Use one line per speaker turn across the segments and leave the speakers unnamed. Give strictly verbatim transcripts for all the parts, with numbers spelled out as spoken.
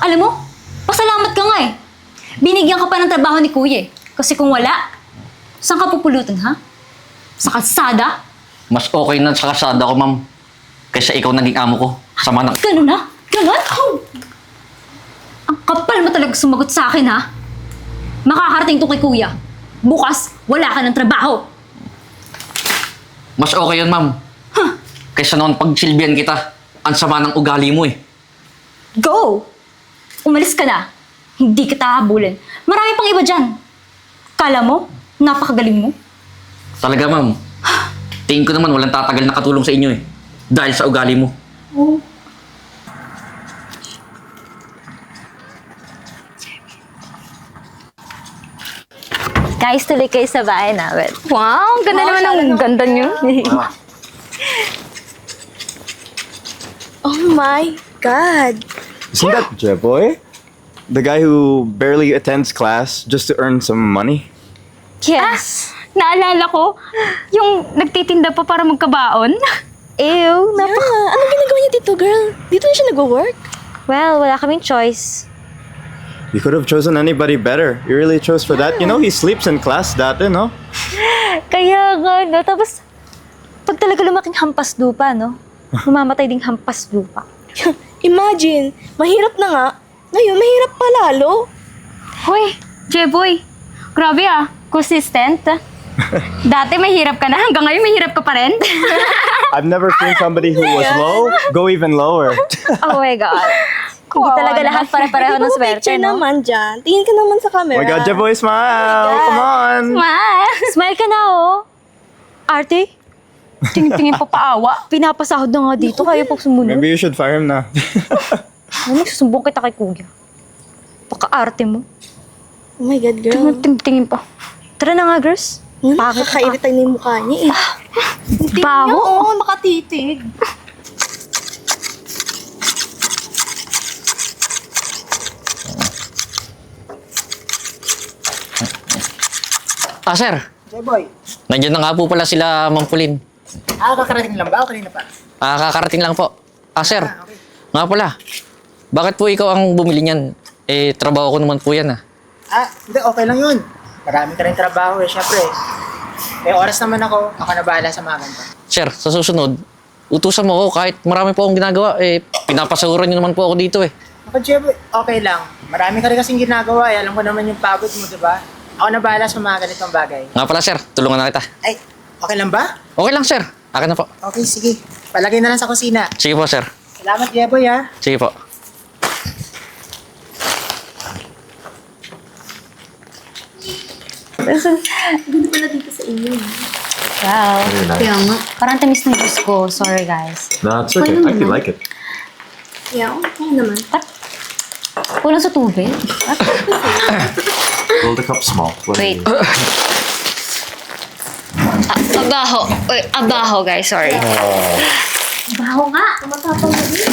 Alam mo, pasalamat ka nga eh. Binigyan ka pa ng trabaho ni Kuya eh. Kasi kung wala, saan ka pupulutan, ha? Sa kalsada?
Mas okay na sa kasada ko, ma'am. Kaysa ikaw naging amo ko. Sama ng...
Ganun na? Ganun? Ang kapal mo talaga sumagot sa akin, ha? Makakarating to kay Kuya. Bukas, wala ka ng trabaho.
Mas okay yun, ma'am.
Huh?
Kaysa noon pagsilbihan kita. Ang sama ng ugali mo eh.
Go! Umalis ka na. Hindi kita habulin. Marami pang iba dyan. Kala mo, napakagaling mo.
Talaga, ma'am. Tingin ko naman walang tatagal na katulong sa inyo eh. Dahil sa ugali mo.
Oh. Guys, tuloy kayo sa bahay namin.
Wow, ganda naman ang ganda niyo.
Oh my God!
Isn't that Jeboy? The guy who barely attends class just to earn some money?
Yes.
Naalala ko, yung nagtitinda pa para magkabaon.
Ew, nap-
Yeah, anong ginagawa niya dito, girl? Dito na siya nag-work?
Well, wala kaming choice.
You could have chosen anybody better. You really chose for that. You know, he sleeps in class dati, no?
Kaya nga, no? Tapos, pag talaga lumaking hampas lupa, no? Mamamatay ding hampas lupa.
Imagine, mahirap na nga. Ngayon, mahirap pa lalo.
Hoy, Jeboy, grabe ah, consistent. Dati mahirap ka na, hanggang ngayon mahirap ka pa rin.
I've never seen somebody who was low go even lower.
Oh my God. Hindi talaga lahat pare-pareho ng swerte,
Picture
no?
naman dyan. Tingin ka naman sa
Oh
camera.
my God, Jeboy, smile!
God.
Come on!
Ma,
Smile ka na, oh. Arte,
tingin-tingin pa paawa.
pinapasahod na nga dito. Kaya pag sumunod.
Maybe you should fire him na.
Ano, susumbong kita kay Kuya. Paka-arte mo.
Oh my God, girl.
Tingin-tingin pa.
Tara na nga, girls.
Hmm?
Bakit?
Nakakairita na yung mukha niya eh. Hindi
Baho.
niya, oo, makatitig.
Ah, sir.
Jeboy,
Nandiyan na nga po pala sila, Ma'am Pauline.
ah, kakarating lang ba o kanina pa?
Ah, kakarating lang po. Ah, sir.
Ah, okay.
Nga pala. Bakit po ikaw ang bumili niyan? Eh, trabaho ko naman po yan ah.
Ah, hindi, okay lang yun. Marami ka rin trabaho eh, syempre. May oras naman ako, ako na bahala sa mga ganito.
Sir, sa susunod, utusan mo ako kahit marami po akong ginagawa. Eh, pinapasahuran niyo naman po ako dito eh.
Ako, Jeboy, okay lang. Marami ka rin kasing ginagawa eh. Alam ko naman yung pagod mo, di ba? Ako na bahala sa mga ganitong bagay.
Nga pala, sir. Tulungan na kita.
Ay, okay lang ba?
Okay lang, sir. Akin na po.
Okay, sige. Palagay na lang sa kusina.
Sige po, sir.
Salamat, Jeboy, ha?
Sige po.
Wow. Kaya nga. Parang tamis ng juice ko. Sorry, guys.
No, it's okay. I actually like it.
Yeah, okay naman.
Kulang sa tubig.
Hold the cup small.
Wait. Ah, abaho. Uy, abaho, guys. Sorry. Abaho nga. Tumatapang na din.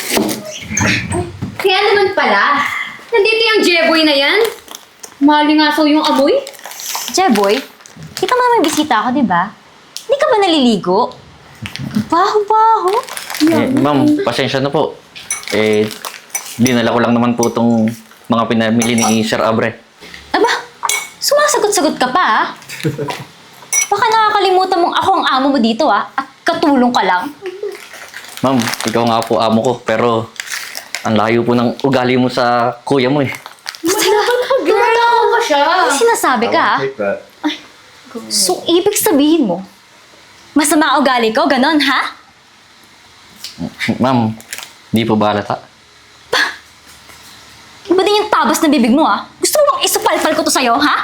Kaya naman pala, nandito yung Jeboy na yan. Malingasaw yung amoy.
Jeboy, kita mo may bisita ako, di ba? Hindi ka ba naliligo? Baho-baho.
Eh, ma'am, pasensya na po. Eh, dinala ko lang naman po itong mga pinamili ni Sir Abre.
Aba, sumasagot-sagot ka pa, ah. Baka nakakalimutan mong ako ang amo mo dito, ah. At katulong ka lang.
Ma'am, ikaw nga po amo ko, pero ang layo po ng ugali mo sa kuya mo eh.
Tumatawa pa siya.
Ano sinasabi ka, ah?
Take that.
So, ibig sabihin mo, masama ang ugali ko, ganon, ha?
Ma'am, di po ba halata?
Iba din yung tabas na bibig mo, ah. Gusto mo bang isupalpal ko to sa'yo, ha?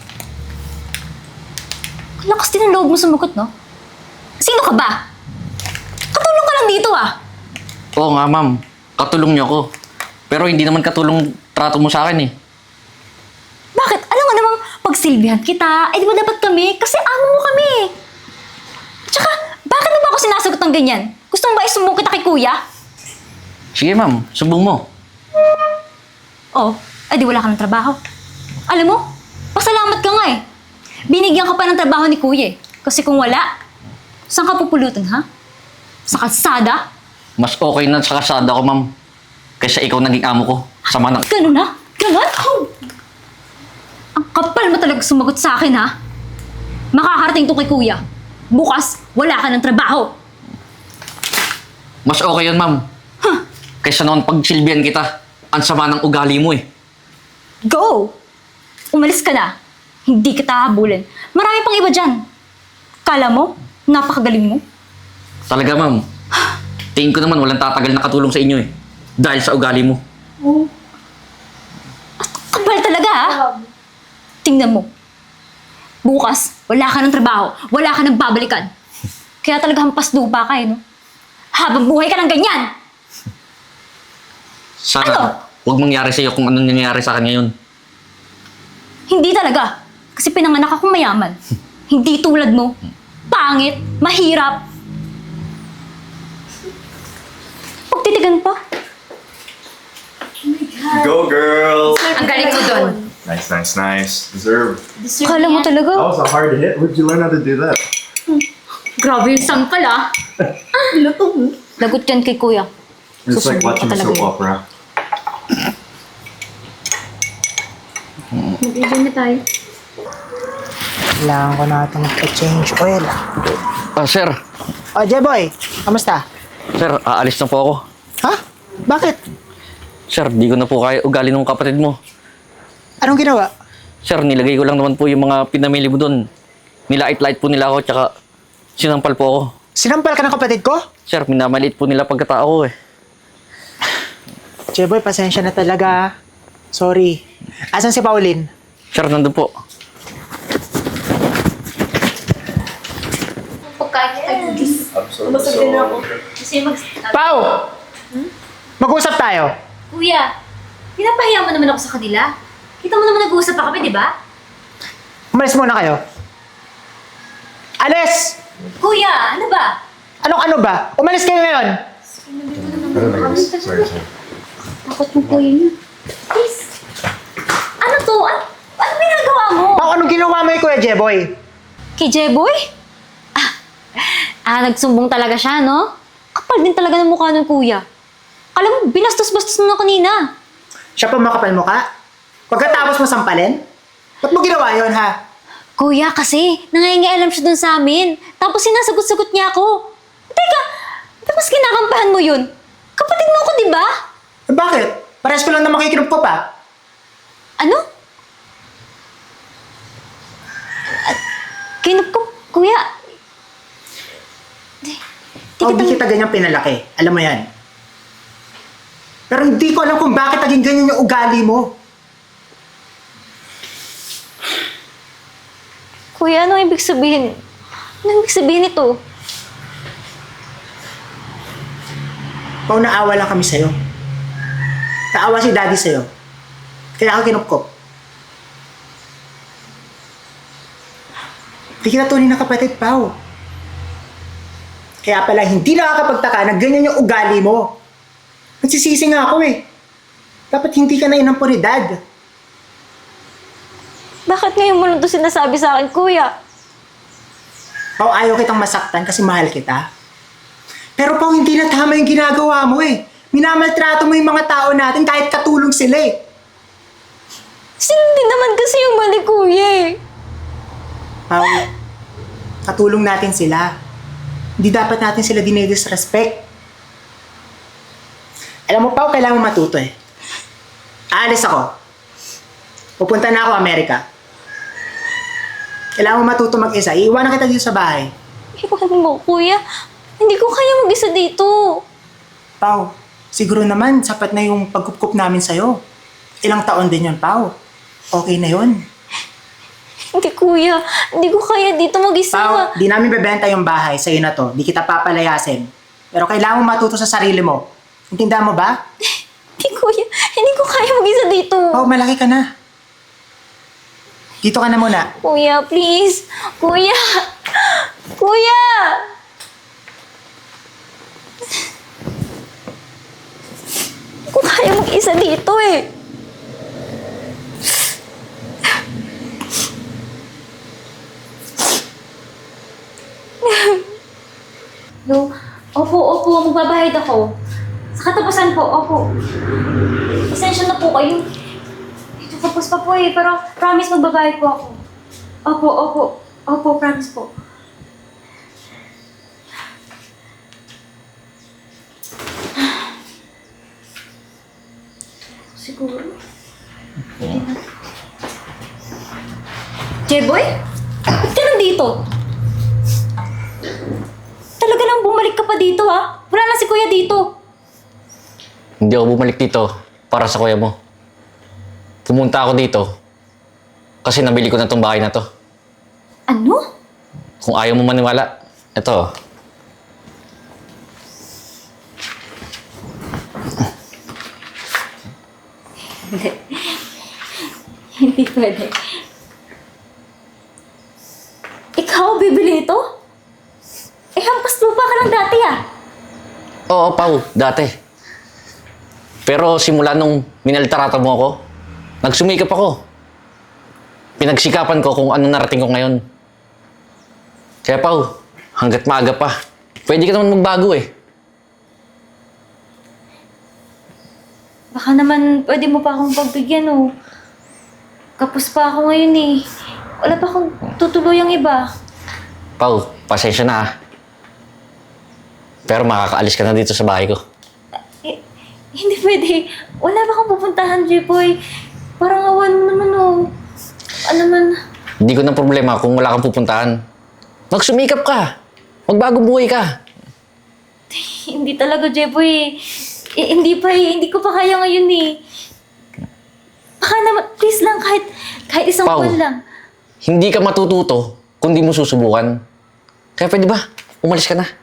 Lakas din ang loob mo sumagot, no? Sino ka ba? Katulong ka lang dito, ah.
Oo nga, ma'am. Katulong niyo ako. Pero hindi naman katulong trato mo sa akin eh.
Bakit? Alam nga namang pagsilbihan kita, eh di ba dapat kami? Kasi amo mo kami. Tsaka, bakit mo ba ako sinasagot ng ganyan? Gusto mo ba isumbong kita kay kuya?
Sige, ma'am. Sumbong mo.
Oh, eh di wala ka ng trabaho. Alam mo, pasalamat ka nga eh. Binigyan ka pa ng trabaho ni kuya eh. Kasi kung wala, saan ka pupulutan, ha? Sa kalsada?
Mas okay na sa kasada ko, ma'am. Kaysa ikaw naging amo ko. Sama ng...
Ganun na? Ganun? Ang kapal mo talaga sumagot sa akin, ha? Makakarating to kay kuya. Bukas, wala ka ng trabaho.
Mas okay yun, ma'am. Kaysa noon pagsilbihan kita. Ang sama ng ugali mo eh.
Go! Umalis ka na. Hindi kita habulin. Marami pang iba dyan. Kala mo, napakagaling mo.
Talaga, ma'am. Tingin ko naman walang tatagal na katulong sa inyo eh. Dahil sa ugali mo.
Kapal talaga, ha? Tingnan mo. Bukas, wala ka ng trabaho. Wala ka ng babalikan. Kaya talaga hampas lupa ka, eh, no? Habang buhay ka ng ganyan!
Sana
Ano?
huwag mangyari sa iyo kung anong nangyayari sa akin ngayon.
Hindi talaga. Kasi pinanganak akong mayaman. Hindi tulad mo. Pangit, mahirap. Pagtitigan pa.
Go, girls!
Ang galing mo doon.
Nice, nice, nice. Deserve.
Kala mo talaga.
That was a hard hit. Where'd you learn how to do that?
Grabe yung sampal, ah. Lagot yan kay kuya.
It's like
Susunod ka
watching a
talaga
soap
yun.
opera.
Mag-video na tayo.
Kailangan ko na ito mag-change oil.
Ah, sir.
Oh, Jeboy, kamusta?
Sir, aalis na po ako.
Ha? Bakit?
Sir, di ko na po kaya ugali ng kapatid mo.
Anong ginawa?
Sir, nilagay ko lang naman po yung mga pinamili mo doon. Nilait-lait po nila ako, tsaka sinampal po ako.
Sinampal ka ng kapatid ko?
Sir, minamaliit po nila pagkatao ko eh.
Jeboy, pasensya na talaga. Sorry. Asan si Pauline?
Sir, nandun po.
Pau! Mag-usap tayo.
Kuya, pinapahiya mo naman ako sa kanila. Kita mo naman nag-uusap pa kami, di ba?
Umalis muna kayo. Alis!
Kuya, ano ba?
Anong ano ba? Umalis kayo ngayon.
Sorry, sorry.
Takot mo kuya niya. Please. Ano to? Ano, ano ginagawa mo?
Pau, anong ginawa mo kay Kuya Jeboy?
Kay Jeboy? Ah, ah, nagsumbong talaga siya, no? Kapal din talaga ng mukha ng kuya. Alam mo, binastos-bastos na kanina.
Siya pa makapal mo ka? Pagkatapos mo sampalin? Ba't mo ginawa yon ha?
Kuya, kasi nangingialam siya dun sa amin. Tapos sinasagot-sagot niya ako. Teka, tapos kinakampahan mo yun. Kapatid mo ako, di ba?
Eh, bakit? Parehas ko lang na makikinig ko pa.
Ano? At, kinup ko, kuya. Di, di
Oh,
kita-
di kita ganyan pinalaki. Alam mo yan. Pero hindi ko alam kung bakit naging ganyan yung ugali mo.
Kuya, ano ibig sabihin? Ano ibig sabihin ito?
Pao, naawa lang kami sa'yo. Naawa si daddy sa'yo. Kaya ako kinupkop. Hindi kita tunay na kapatid, Pao. Kaya pala hindi nakakapagtaka na ganyan yung ugali mo. Nagsisisi nga ako eh. Dapat hindi ka na inampun ni Dad.
Bakit ngayon mo lang ito sinasabi sa akin, kuya?
Pao, ayaw kitang masaktan kasi mahal kita. Pero Pao, hindi na tama yung ginagawa mo eh. Minamaltrato mo yung mga tao natin kahit katulong sila eh.
Hindi naman kasi yung mali, kuya eh.
Pao, katulong natin sila. Hindi dapat natin sila dinidisrespect. Alam mo, Pao, kailangan mo matuto eh. Aalis ako. Pupunta na ako Amerika. Kailangan mo matuto mag-isa. Iiwanan kita dito sa bahay.
Iwan mo, kuya. Hindi ko kaya mag-isa dito.
Pao, siguro naman sapat na yung pagkupkup namin sa'yo. Ilang taon din yun, Pao. Okay na yun.
Hindi, kuya. Hindi ko kaya dito mag-isa.
Pao, di namin bebenta yung bahay sa'yo na to. Di kita papalayasin. Pero kailangan mo matuto sa sarili mo. Intindihan mo ba?
Hindi, kuya. Hindi ko kaya mag-isa dito.
Pao, malaki ka na. Dito ka na muna.
Kuya, please. Kuya. Kuya. Hindi ko kaya mag-isa dito eh. No. Opo, opo. Magbabahid ako. Sa katapusan po, opo. Pasensya na po po kayo. Ito, tapos pa po eh. Pero promise magbabayad po ako. Opo, opo. Opo, promise po. Siguro. Jeboy? Ba't ka nandito? Talaga lang bumalik ka pa dito ha? Wala na si kuya dito.
Hindi ako bumalik dito para sa kuya mo. Pumunta ako dito kasi nabili ko na tong bahay na to.
Ano?
Kung ayaw mo maniwala, eto.
Hindi. Hindi pwede. Ikaw bibili ito? Eh, hampas lupa ka lang dati ah.
Oo, Pao, dati. Pero simula nung minaltarata mo ako, nagsumikap ako. Pinagsikapan ko kung anong narating ko ngayon. Kaya Pao, hanggat maaga pa, pwede ka naman magbago eh.
Baka naman pwede mo pa akong pagbigyan oh. Kapos pa ako ngayon eh. Wala pa akong tutuluyang iba.
Pao, pasensya na ah. Pero makakaalis ka na dito sa bahay ko.
Eh, hindi pwede. Wala pa akong pupuntahan, J-Boy. Parang awan mo naman oh. Ano man.
Hindi ko na problema kung wala kang pupuntahan. Magsumikap ka. Magbago buhay ka.
Hindi talaga, J-Boy. Eh, hindi pa eh. Hindi ko pa kaya ngayon eh. Baka naman, please lang, kahit, kahit isang
Pao.
buwan lang.
Hindi ka matututo kung di mo susubukan. Kaya pwede ba? Umalis ka na.